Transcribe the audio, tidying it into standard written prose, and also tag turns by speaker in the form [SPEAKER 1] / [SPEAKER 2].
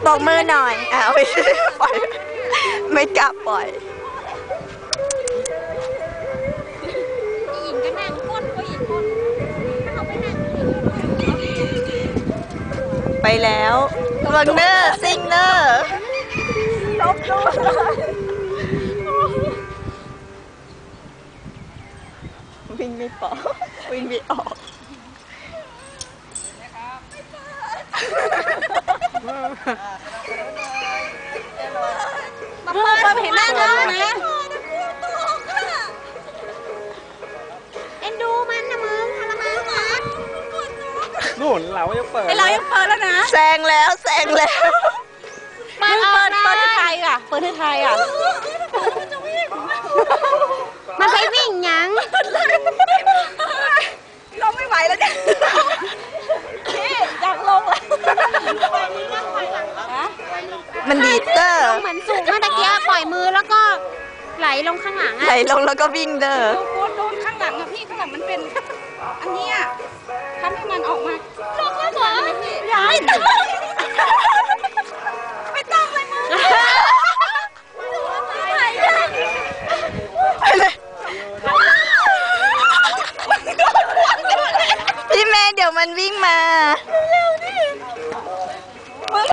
[SPEAKER 1] บอกมือหน่อยไม่ปล่อยไม่กล้าปล่อย
[SPEAKER 2] หญิงก็นั่งก้นก็หญิงก้นถ้าเขาไปนั่ง
[SPEAKER 1] ไปแล้ววังเนอร์ซิงเนอร์ลบดูวิ่งไม่ปอกวิ่งไม่ออก
[SPEAKER 2] มาเห็นหน้าเธอนะเอ็นดูมันนะมึงทรมานนะ
[SPEAKER 3] นู่นเรายังเปิด
[SPEAKER 2] เรายังเปิดแล้วนะ
[SPEAKER 1] แซงแล้ว
[SPEAKER 2] มันเปิดที่ไทยอ่ะเปิดที่ไทยอ่ะมันไปวิ่งยัง
[SPEAKER 1] ลงไม่ไหวแล้วเนี่ยอยากลงแล้วมันดีเตอร์
[SPEAKER 2] เหมือนสูงเมื่อตะกี้ปล่อยมือแล้วก็ไหลลงข้างหลัง
[SPEAKER 1] ไหลลงแล้วก็วิ่งเด้อ
[SPEAKER 2] โดนข้างหลังอะพี่ข้างหลังมันเป็นอันนี้อะทำให้มันออกมาลงแล้วเหรอย้ายไม่ต้องเลยมึง
[SPEAKER 1] ไปเลยพี่เมย์เดี๋ยวมันวิ่งมา